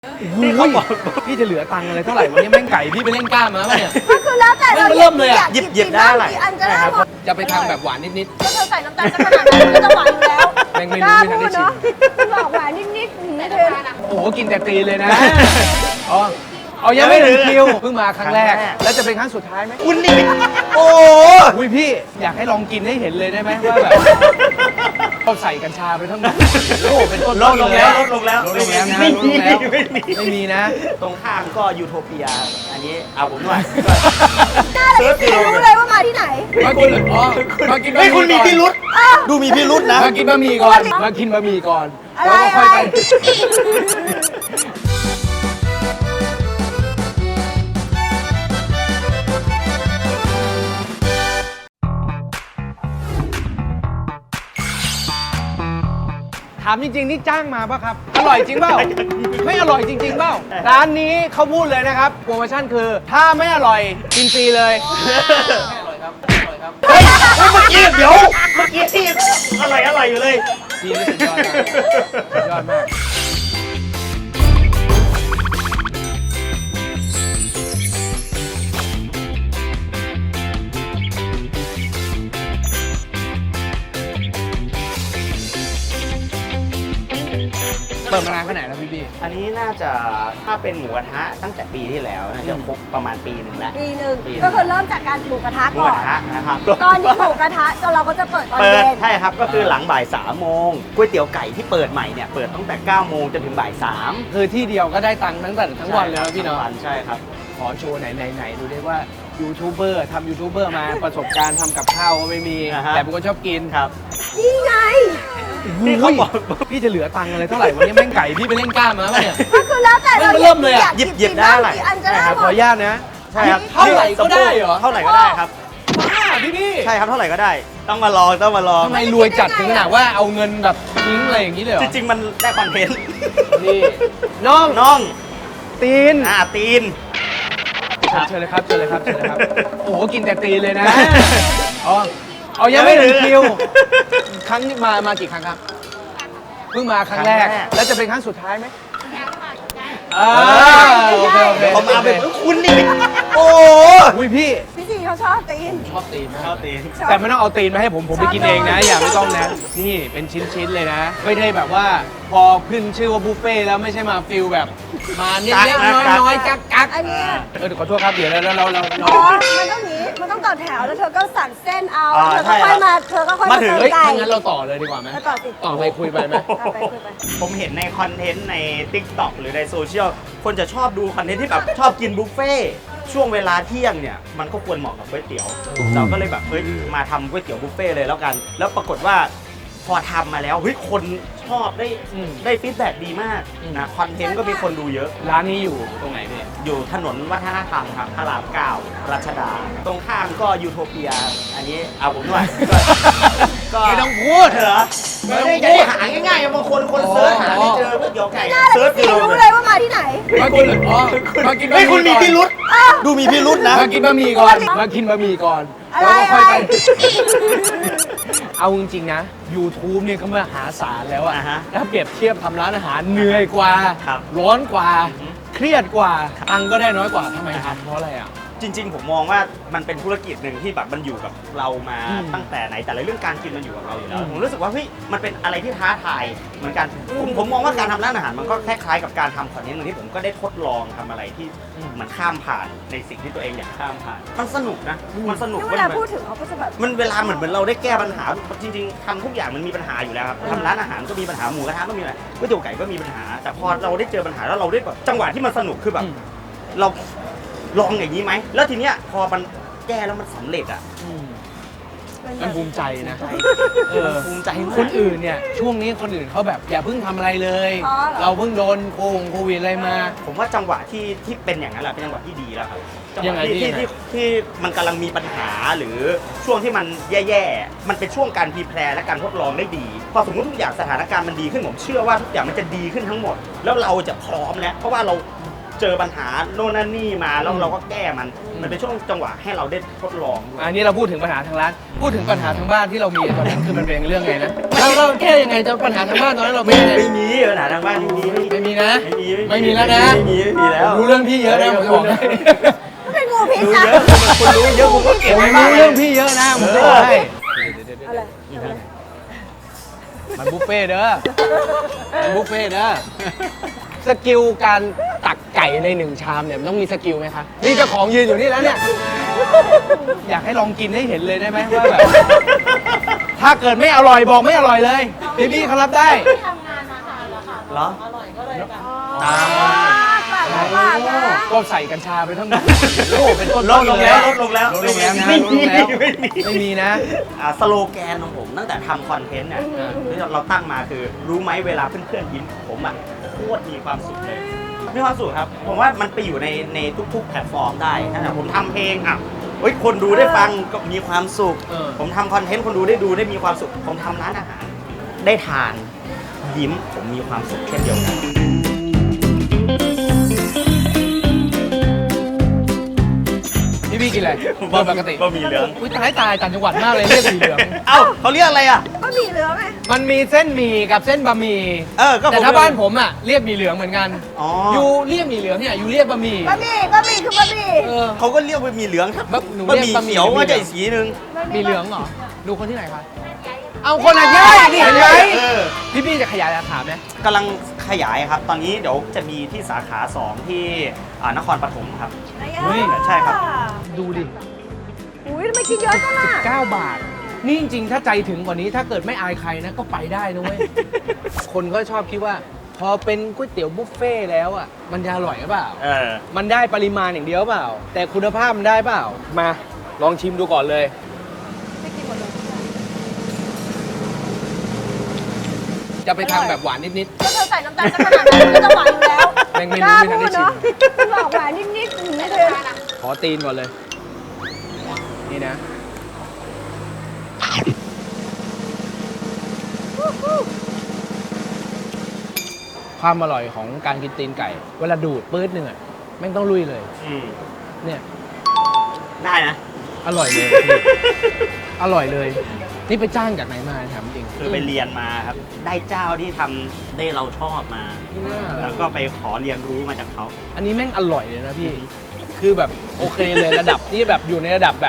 พี่เขาบอกพี่จะเหลือตังค์อะไรเท่าไหร่วันนี้แม่งไก่พี่ไปเล่นกล้ามมาป่ะเนี่ยก็คือแล้วแต่เราเริ่มเลยอะหยิบได้อะไรอันก็ได้หมดจะไปทำแบบหวานนิดก็เธอใส่น้ำตาลสักขนาดนั้นมันก็จะหวานอยู่แล้วแม่งไม่รู้ไม่ทันได้ชิมคุณบอกหวานนิดๆอย่างนี้เธอๆโอ้โหกินแต่ตีนเลยนะอ๋อเอายังไม่ถึงคิวเพิ่งมาครั้งแรก แล้วจะเป็นครั้งสุดท้ายไหมคุณนี่โอ้อุ้ยพี่อยากให้ลองกินให้เห็นเลยได้ไหมว่าแบบเขาใส่กัญชาไปทั้งหมดโอ้เป็นต้นลดลงแล้วลดลงแล้วลดลงแล้วนะไม่ลดมีลงแล้วไม่มีไม่มีนะตรงข้ามก็ยูโทเปีย อันนี้เอาผมหน่อยหน้าเลยพี่รู้เลยว่ามาที่ไหนมากินอ๋อมากินเฮ้ยคุณมีพิรุษอ้าวดูมีพิรุษนะมากินบะหมี่ก่อนมากินบะหมี่ก่อนอะไรแล้วก็ค่อยไป ถามจริงๆนี่จ้างมาป่ะครับ อร่อยจริงเปล่า ไม่อร่อยจริงๆเปล่า ร้านนี้เขาพูดเลยนะครับ โปรโมชั่นคือ ถ้าไม่อร่อยกินฟรีเลยไม่อร่อยครับไม่อร่อยครับเฮ้ยเมื่อกี้เดี๋ยว เมื่อกี้ที่อะไรอยู่เลยทีนี้สุดยอดมากสุดยอดมากเปิดมานานแค่ไหนแล้วพี่บี้อันนี้น่าจะถ้าเป็นหมูกระทะตั้งแต่ปีที่แล้วน่าจะครบประมาณปีหนึ่งแล้วปีหนึ่งก็คือเริ่มจากการหมูกระทะหมูก่กอนระทะนะครับตอนนี้หมูกระทะเราก็จะเปิดตอนเปิดเย็นใช่ครับก็คือหลังบ่าย3 โมงก๋วยเตี๋ยวไก่ที่เปิดใหม่เนี่ยเปิดตั้งแต่9 โมงจนถึงบ่าย3 คือที่เดียวก็ได้ตังค์ทั้งวันเลยนะพี่เนาะใช่ครับขอโชว์ไหนดูได้ว่ายูทูบเบอร์ทำยูทูบเบอร์มาประสบการณ์ทำกับข้าวก็ไม่มีอ่าฮะแต่เป็นคนชอบกินครับนี่ไงพี่เขาบอกพี่จะเหลือตังค์อะไรเท่าไหร่วันนี้แม่งไก่พี่ไปเล่นกล้ามมาป่ะเนี่ยก็คือแล้วแต่เราเริ่มเลยอะหยิบได้อะไรอันก็ได้ขหมออดนุญาตนะใช่ครับเท่าไหร่ก็ได้เหรอเท่าไหร่ก็ได้ครับบ้าพี่ใช่ครับเท่าไหร่ก็ได้ ต้องมาลองต้องมาลองทำไมรวยจัดถึงขนาดว่าเอาเงินแบบทิ้งอะไรอย่างนี้เลยเหรอจริงๆมันได้คอนเทนต์นี่น้องน้องตีนตีนเชิญเลยครับเชิญเลยครับเชิญเลยครับโอ้โหกินแต่ตีนเลยนะอ๋อเอายังไม่ถึงคิวครั้งนี้มากี่ครั้งครับเพิ่งมาครั้งแรก แล้วจะเป็นครั้งสุดท้ายไหมโอเคโอเคผมเอาไปคุณนี่โอ้อุ้ยพี่พี่จีเขาชอบตีนชอบตีนนะชอบตีนแต่ไม่ต้องเอาตีนมาให้ผมไปกินเองนะ อย่าไม่ต้องนะ นี่เป็นชิ้นๆเลยนะ ไม่ได้แบบว่าพอขึ้นชื่อว่าบุฟเฟ่ต์แล้วไม่ใช่มาฟิลแบบมาเล็กๆน้อยๆกักอันเนี้ยเดี๋ยวขอโทษครับเดี๋ยวเราอ๋อมันต้องนี้มันต้องต่อแถวแล้วเธอก็สั่งเส้นเอาเธอก็ค่อยมาเธอก็ค่อยมาเติมเฮ้ยไก่งั้นเราต่อเลยดีกว่าไหมแล้วต่อสิต่อไปคุยไปไหมไปคุยไปผมเห็นในคอนเทนต์ใน TikTok หรือในโซเชียลคนจะชอบดูคอนเทนต์ที่แบบชอบกินบุฟเฟ่ต์ช่วงเวลาเที่ยงเนี่ยมันก็ควรเหมาะกับก๋วยเตี๋ยวเราก็เลยแบบเฮ้ยมาทำก๋วยเตี๋ยวบุฟเฟ่ต์เลยแล้วกัน แล้วปรากฏว่าพอทำมาแล้วเฮ้ยคนชอบได้ฟีดแบ็กดีมากนะคอนเทนต์ก็มีคนดูเยอะร้านนี้อยู่ตรงไหนพี่อยู่ถนนวัฒนธรรมครับพระราม9รัชดา ตรงข้ามก็ยูโทเปีย อันนี้เอาผมหน่อยก็ไม่ต้องพูดเหรอไม่ต้องไม่พูได้ดหาง่ายๆบางคนเซิร์ชหาไม่เจอก๋วยเตี๋ยวไก่หน้าเลเซิยร์ชพี่ดูรู้เลยว่ามาที่ไหนมากินอ๋อมากินเฮ้ยคุณมีพิรุษอ้าวดูมีพิรุษนะมากินบะหมี่ก่อน มากินบะหมี่ก่อนอะไรแล้วก็ค่อยไปอะไรเอาจริงๆนะ YouTube เนี่ยก็มหาศาลแล้วอะอ่าฮะถ้าเปรียบเทียบทำร้านอาหารเหนื่อยกว่าครับร้อนกว่า เครียดกว่าตังค์ก็ได้น้อยกว่าทำไมทำเพราะอะไรอ่ะจริงๆผมมองว่ามันเป็นธุรกิจหนึ่งที่แบบมันอยู่กับเรามาอืมตั้งแต่ไหนแต่ละเรื่องการกินมันอยู่กับเราอยู่แล้วผมรู้สึกว่าเฮ้ยมันเป็นอะไรที่ท้าทายเหมือนกันผมมองว่าการทำร้านอาหารมันก็คล้ายๆกับการทำคอนเทนต์หนึ่งที่ผมก็ได้ทดลองทำอะไรที่เหมันข้ามผ่านในสิ่งที่ตัวเองอยากข้ามผ่านมันสนุกนะมันสนุกเวลาพูดถึงเขาก็จะแบบมันเวลาเหมือนเราได้แก้ปัญหาจริงๆทำทุกอย่างมันมีปัญหาอยู่แล้วครับทำร้านอาหารก็มีปัญหาหมูกระทะก็มีอะไรก๋วยเตี๋ยวไก่ก็มีปัญหา แต่พอเราได้เจอปัญหาแล้วเราได้แบบจังหวะที่มันสนุกคือแบบ เราลองอย่างนี้ไหม แล้วทีเนี้ยพอมันแก้แล้วมันสำเร็จอ่ะมันภูมิใจนะภูมิใจมากคนอื่นเนี่ยช่วงนี้คนอื่นเขาแบบอย่าเพิ่งทำอะไรเลยอ๋อเหรอเราเพิ่งโดนโควิดอะไรมาผมว่าจังหวะที่เป็นอย่างนั้นแหละเป็นจังหวะที่ดีแล้วครับจังหยังวะไงที่ยังไงที่มันกำลังมีปัญหาหรือช่วงที่มันแย่ๆ มันเป็นช่วงการพรีแพร์และการทดลองได้ดี พอสมมติทุกอย่างสถานการณ์มันดีขึ้นผมเชื่อว่าทุกอย่างมันจะดีขึ้นทั้งหมด แล้วเราจะพร้อมแล้วเพราะว่าเราเจอปัญหาโน่นนั่นนี่มาแล้วเราก็แก้มันเป็นช่วงจังหวะให้เราได้ทดลองอันนี้เราพูดถึงปัญหาทางร้านพูดถึงปัญหาทางบ้านที่เรามีตอนนั้นคือมันเป็นเรื่องไงนะเราแก้ยังไงจะปัญหาทางบ้านตอนนั้นเราไม่ไม่มีปัญหาทางบ้านไม่มีนะไม่มีแล้วนะไม่มีแล้วรู้เรื่องพี่เยอะนะผมจะบอกให้เป็นงูพิษรู้นะเยอะคุณรู้เยอะคุณก็เก็บผมไว้บ้างรู้เรื่องพี่เยอะนะผมจะบอกให้อะไรมันบุฟเฟ่ต์เด้อมันบุฟเฟ่ต์เด้อสกิลการตักไก่ในหนึ่งชามเนี่ยมันต้องมีสกิลไหมคะนี่เจ้าของยืนอยู่นี่แล้วเนี่ยอยากให้ลองกินให้เห็นเลยได้ไหมว่าแบบถ้าเกิดไม่อร่อยบอกไม่อร่อยเลยพี่เขารับได้ทำงานมาทานแล้วค่ะเหรออร่อยก็เลยแบบตามปากนะก็ใส่กัญชาไปทั้งหมดโอ้เป็นต้นลดลงแล้วลดลงแล้วลดลงแล้วนะไม่ลดลมีงแล้วไม่มีไม่มีนะสโลแกนของผมตั้งแต่ทำคอนเทนต์เนี่ยที่เราตั้งมาคือรู้ไหมเวลาเพื่อนๆยิ้มผมอ่ะโคตรมีความสุขเลยมีความสุขครับผมว่ามันไปอยู่ในทุกๆแพลตฟอร์มได้นะผมทำเพลงอ่ะเฮ้ยคนดูได้ฟังก็มีความสุข ผมทำคอนเทนต์คนดูได้ดูได้มีความสุขผมทำร้านอาหารได้ทานยิ้มผมมีความสุขเช่นเดียวกันพี่กินอะไรโดยปกติบะหมี่เหลืองอุ้ยตายต่างจังหวัดมากเลยเรียกสีเหลืองเอ้าเขาเรียกอะไรอ่ะก็มีเหลืองไงมันมีเส้นหมี่กับเส้นบะหมี่ก็แต่ถ้าบ้านผมอ่ะเรียกหมี่เหลืองเหมือนกันอ๋อยูเรียกหมี่เหลืองเนี่ยยูเรียกบะหมี่บะหมี่คือบะหมี่เออเขาก็เรียกบะหมี่เหลืองครับหนูบะเรีหยกมี่บะหมี่เขียวหรือว่าจะเหลืองอีกสีหนึ่งหมี่เหลืองเหรอดูคนที่ไหนคะเอาคนอ่ะย่านี่เห็นไหมเออพี่จะขยายสาขาไหมกำลังขยายครับ ตอนนี้เดี๋ยวจะมีที่สาขา 2 ที่นครปฐมครับเฮ้ยใช่ครับดูดิอุ้ยทำไมกินเยอะจังอ่ะ 9 บาท นี่จริงๆ ถ้าใจถึงกว่านี้ถ้าเกิดไม่อายใครนะก็ไปได้นะเว้ย คนก็ชอบคิดว่า พอเป็นก๋วยเตี๋ยวบุฟเฟ่ต์แล้วอ่ะมันจะอร่อยหรือเปล่า มันได้ปริมาณอย่างเดียวเปล่า แต่คุณภาพมันได้เปล่า มาลองชิมดูก่อนเลย จะไปทำแบบหวานนิดก็เธอใส่น้ำตาลสักขนาดนั้นมันก็จะหวานอยู่แล้วแม่งไม่รู้ไม่ทันได้ชิมคุณบอกหวานนิดๆอย่างนี้เลยๆ ขอตีนก่อนเลย นี่นะ ความอร่อยของการกินตีนไก่ เวลาดูดปื๊ดหนึ่งอ่ะแม่งต้องลุยเลย เนี่ยได้นะอร่อยเลยพี่อร่อยเลย นี่ไปจ้างจากไหนมาถามจริงคือไปเรียนมาครับ ได้เจ้าที่ทำได้เราชอบมา แล้วก็ไปขอเรียนรู้มาจากเขาอันนี้แม่งอร่อยเลยนะพี่ คือแบบโอเคเลยระดับที่แบบอยู่ในระดับแบบ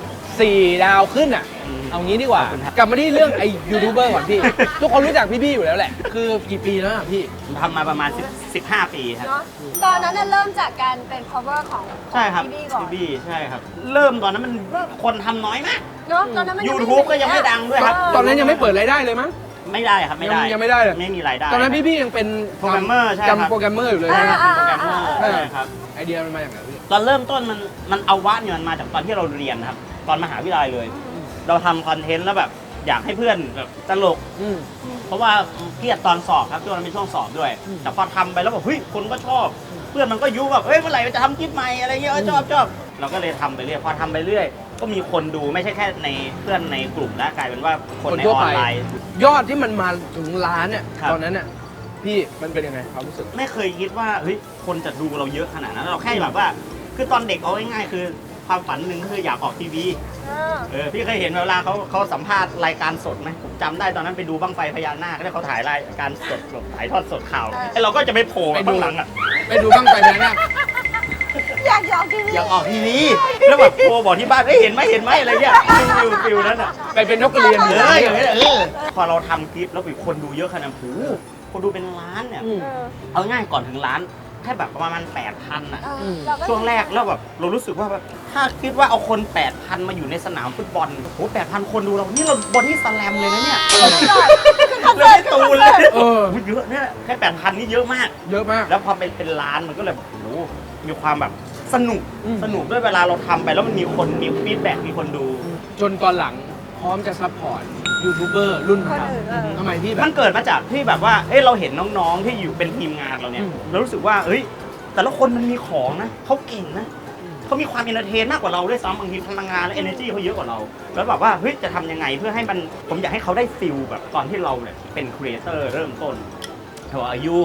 4 ดาวขึ้นอ่ะ เอางี้ดีกว่าขอบคุณครับกลับมาที่เรื่องไอ้ยูทูบเบอร์ก่อนพี่ ทุกคนรู้จักพี่ๆอยู่แล้วแหละ คือกี่ปีแล้วอะพี่ทำมาประมาณ15 ปีครับเนาะตอนนั้นน่ะเริ่มจากการเป็น cover ของใช่ครับพี่บี้ก่อนพี่บี้ใช่ครับ เริ่มตอนนั้นมันคนทำน้อยมากเนาะตอนนั้นมัน YouTube ก็ยังไม่ดังด้วยครับตอนนั้นยังไม่เปิดรายได้เลยมั้งไม่ได้ครับไม่ได้ยังไม่ได้เลยไม่มีรายได้ตอนนั้นพี่ๆยังเป็นโปรแกรมเมอร์ใช่ครับจำโปรแกรมเมอร์อยู่เลยอ่านะอ่าโปรแกรอ่ามเมอร์อ่าใช่ครับไอเดียมันมาจากไหนพี่ตอนเริ่มต้นมันเอาวะเนี่ยมันมาจากตอนที่เราเรียนนะครับ ตอนมหาวิทยาลัยเลย เราทำคอนเทนต์แล้วแบบอยากให้เพื่อนแบบตลกอืมเพราะว่าเครียดตอนสอบครับช่วงนั้นเป็นช่วงสอบด้วย แต่พอทำไปแล้วแบบเฮ้ยคนก็ชอบ เพื่อนมันก็ยุแบบเฮ้ยเมื่อไหร่จะทำคลิปใหม่อะไรเงี้ยชอบเราก็เลยทำไปเรื่อยพอทำไปเรื่อยก็มีคนดูไม่ใช่แค่ในเพื่อนในกลุ่มแล้วกลายเป็นว่าคนในทั่อวอไปนไลน์ยอดที่มันมาถึงล้านเนี่ยครับตอนนั้นน่ะพี่มันเป็นยังไงความรู้สึกไม่เคยคิดว่าเฮ้ยคนจะดูเราเยอะขนาดนั้นเราแค่แบบว่าคือตอนเด็กเอาง่ายๆคือความฝันหนึ่งก็คืออยากออกทีวี พี่เคยเห็นเวลาเขาสัมภาษณ์รายการสดไหมผมจำได้ตอนนั้นไปดูบั้งไฟพญานาคแล้วเขาถ่ายรายการสดถ่ายทอดสดข่าวไอ้เราก็จะไปโผล่ไปดูข้างหลังอ่ะไปดูบ้างไปแล้วนะอยากออกทีวีอยากออกทีวีแล้วแบบโทรบอกที่บ้านเห็นไหมอะไรเงี้ยฟิลนั้นอ่ะไปเป็นนกกระเรียนอยู่พอเราทำคลิปแล้วมีคนดูเยอะขนาดนั้นคนดูเป็นล้านเนี่ยอืมเอาง่ายก่อนถึงล้านแค่แบบประมาณ 8,000อ่ะเราก็ช่วงแรกแล้วแบบเรารู้สึกว่าแบบถ้าคิดว่าเอาคน 8,000 มาอยู่ในสนามฟุตบอลโอ้โห 8,000 คนดูเรานี่เราบอดี้สแลมเลยนะเนี่ยคอนเราเสิร์ไม่ตตูนเลยเออเยอะเนี่ยแค่ 8,000 นี่เยอะมากเยอะมากแล้วพอเป็นล้านมันก็เลยแบบโอ้โหมีความแบบสนุกอืมสนุกด้วยเวลาเราทำไปแล้วมันมีคนมีฟีดแบ็กมีคนดูจนตอนหลังพร้อมจะซัพพอร์ตยูทูบเบอร์รุ่นคนเราอื่นทำไมพี่แบมับนเกิดมาจากที่แบบว่าเอ้ยเราเห็นน้องๆที่อยู่เป็นทีมงานเราเนี่ยอืมเรารู้สึกว่าเอ้ยแต่ละคนมันมีของนะเขาเก่งนะเขามีความเอนเตอร์เทนมากกว่าเราด้วยซ้ำบางทีพลังงานและ energy เขาเยอะกว่าเราแล้วแบบว่าเฮ้ยจะทำยังไงเพื่อให้มันผมอยากให้เขาได้ฟิลแบบตอนที่เราเนี่ยเป็นครีเอเตอร์เริ่มต้นเขาบอกอายุ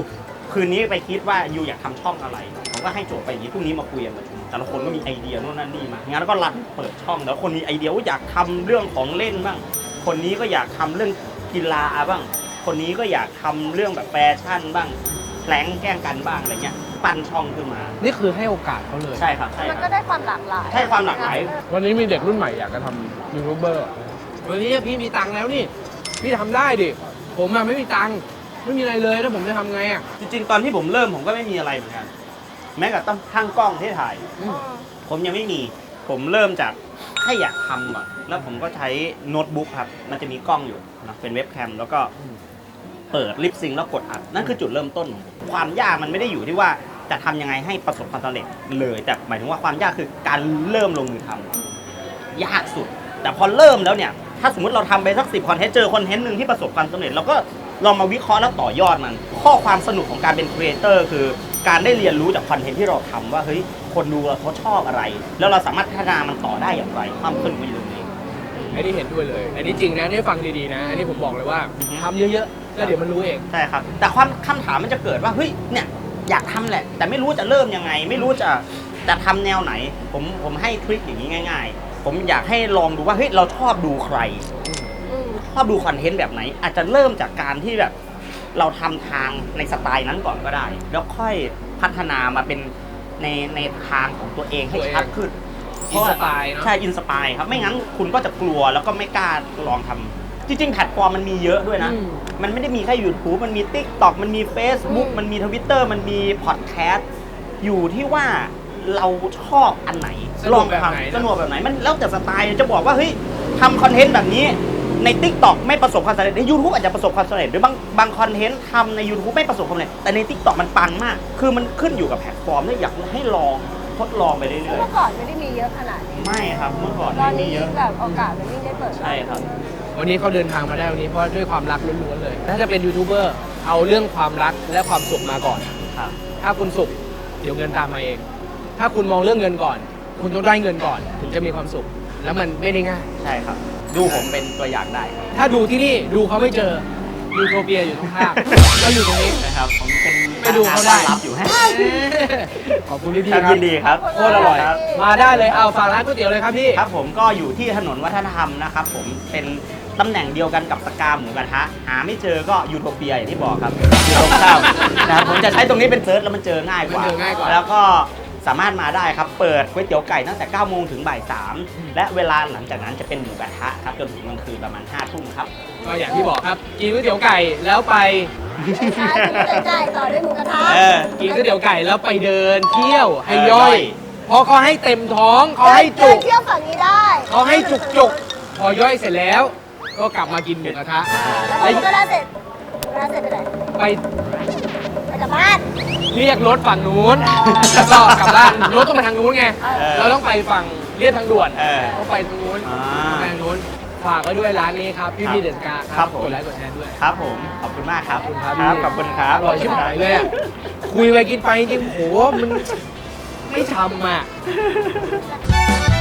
คืนนี้ไปคิดว่ายูอยากทำช่องอะไรผมก็ให้โจทย์ไปอย่างนี้พรุ่งนี้มาคุยกันประชุมแต่ละคนก็มีไอเดียโน่นนั่นนี่มางั้นก็รันเปิดช่องแล้วคนมีไอเดียว่าอยากทำเรื่องของเล่นบ้างคนนี้ก็อยากทำเรื่องกีฬาบ้างคนนี้ก็อยากทำเรื่องแบบแฟชั่นบ้างแพลงแกล้งกันบ้างอะไรเงี้ยปั้นช่องขึ้นมานี่คือให้โอกาสเขาเลยใช่ครับใช่มันคก็รับได้ความหลากหลายใช่ความหลากหลายวันนี้มีเด็กรุ่นใหม่อยากจะทำยูทูบเบอร์วันนี้พี่มีตังค์แล้วนี่ พี่ทำได้ดิ ผมอะไม่มีตังค์ ไม่มีอะไรเลยแล้วผมจะทำไงอะจริงๆ ตอนที่ผมเริ่มผมก็ไม่มีอะไรเหมือนกัน แม้กระทั่งข้างกล้องที่ถ่าย ผมยังไม่มี ผมเริ่มจากแค่อยากทำก่อนแล้วผมก็ใช้โน้ตบุ๊กครับ มันจะมีกล้องอยู่นะเป็นเว็บแคมแล้วก็เปิดลิปซิงค์แล้วกดอัด นั่นคือจุดเริ่มต้นของผมความยากมันไม่ได้อยู่ที่ว่าจะทำยังไงให้ประสบความสำเร็จเลย แต่หมายถึงว่าความยากคือการเริ่มลงมือทำยากสุด แต่พอเริ่มแล้วเนี่ย ถ้าสมมติเราทำไปสัก10คอนเทนต์เจอคอนเทนต์หนึ่งที่ประสบความสำเร็จเราก็ลองมาวิเคราะห์แล้วต่อยอดมัน ข้อความสนุกของการเป็นครีเอเตอร์คือการได้เรียนรู้จากคอนเทนต์ที่เราทำว่าเฮ้ยคนดูเราเขาชอบอะไร แล้วเราสามารถพัฒนามันต่อได้อย่างไรความสนุกมันอยู่ตรงนี้อันนี้เห็นด้วยเลย อันนี้จริงนะนี่ฟังดีๆนะ อันนี้ผมบอกเลยว่าทำเยอะๆแล้วเดี๋ยวมันรู้เองใช่ครับ แต่ความคำถามมันจะเกิดว่าเฮ้ยเนี่ยอยากทำแหละ แต่ไม่รู้จะเริ่มยังไง ไม่รู้จะทำแนวไหน ผมให้ทริคอย่างนี้ง่าย ๆ ผมอยากให้ลองดูว่าเฮ้ยเราชอบดูใคร ชอบดูคอนเทนต์แบบไหน อาจจะเริ่มจากการที่แบบเราทำทางในสไตล์นั้นก่อนก็ได้ แล้วค่อยพัฒนามาเป็นในทางของตัวเองให้ชัดขึ้นอินสปายเนอะใช่อินสปายครับไม่งั้นคุณก็จะกลัวแล้วก็ไม่กล้าลองทำจริงๆแพลตฟอร์มมันมีเยอะด้วยนะ มันไม่ได้มีแค่ YouTube มันมี TikTok มันมี Facebook มันมี Twitter มันมีพอดแคสต์อยู่ที่ว่าเราชอบอันไหนสนุกแบบไหนสนุกแบบไหนมันแล้วแต่สไตล์จะบอกว่าเฮ้ยทำคอนเทนต์แบบนี้ใน TikTok ไม่ประสบความสำเร็จใน YouTube อาจจะประสบความสำเร็จหรือบางคอนเทนต์ทำใน YouTube ไม่ประสบความสำเร็จแต่ใน TikTok มันปังมาก คือมันขึ้นอยู่กับแพลตฟอร์มที่อยากให้ลองทดลองไปเรื่อยเมื่อก่อนไม่ได้มีเยอะขนาดนี้ๆไม่ครับเมื่อก่อนตอนไม่มีนี้เยอะแบบโอกาสมันยิ่งได้เปิดใช่ครับวันนี้เขาเดินทางมาได้วันนี้เพราะด้วยความรักล้วนๆเลย ถ้าจะเป็นยูทูบเบอร์เอาเรื่องความรักและความสุขมาก่อนครับถ้าคุณสุขเดี๋ยวเงินตามมาเอง ถ้าคุณมองเรื่องเงินก่อน คุณต้องได้เงินก่อน ถึงจะมีความสุข แล้วมันไม่ได้ง่ายใช่ครับ ดูผมเป็นตัวอย่างได้ครับถ้าดูที่นี่ดูเขาไม่เจอยูโทเปียอยู่ตรงข้ามเราอยู่ตรงนี้นะครับผมเป็นไปดูเขาได้ต้อนรับอยู่ฮะขอบคุณพี่ๆคครัรับบ ยินดีครับโคตรอร่อยครับมาได้เลยเอาฝากร้านก๋วยเตี๋ยวเลยครับพี่ครับผมก็อยู่ที่ถนนวัฒนธรรมนะครับผมเป็นตำแหน่งเดียวกันกับสกาหมูกระทะหาไม่เจอก็ยูโทเปียอย่างที่บอกครับอยู่ตรงข้ามนะครับผมจะใช้ตรงนี้เป็นเซิร์ชแล้วมันเจอง่ายกว่ามันเจอง่ายกว่าแล้วก็สามารถมาได้ครับเปิดก๋วยเตี๋ยวไก่ตั้งแต่9โมงถึงบ่าย3และเวลาหลังจากนั้นจะเป็นหมูกระทะครับจนถึงกลางคืนประมาณ5 ทุ่มครับก็อย่างที่บอกครับ กินก๋วยเตี๋ยวไก่แล้วไปใช่ใช่ต่อด้วยหมูกระทะกินก๋วยเตี๋ยวไก่แล้วไปเดินเที่ยวให้ย่อย่อย ยเพราะเขาให้เต็มท้องเขาให้เดิจุนกเที่ยวฝั่งนี้ได้เขาให้จุกๆพอย่อยเสร็จแล้ว ก็กลับมากินหมูกระทะแล้วหมูกระทะเสร็จหมูกระทะเสร็จไปไหนไปไปกลับบ้านเรียกรถฝั่งนู้นแล้วก็กลับบ้านรถต้องไปทางนู้นไง เราต้องไปฝั่งเรียกทางด่วน ต้องไปทางนู้นอ่าไปทางนู้นฝากไว้ด้วยร้านนี้ครับพี่พี่เดนกาครับผมกดไลค์กดแชร์ด้วยครับผมขอบคุณมากครับขอบคุณครับขอบคุณครับอร่อยชิบหายเลยอะคุยไปกินไปจริงๆโหมันไม่ทำอ่ะ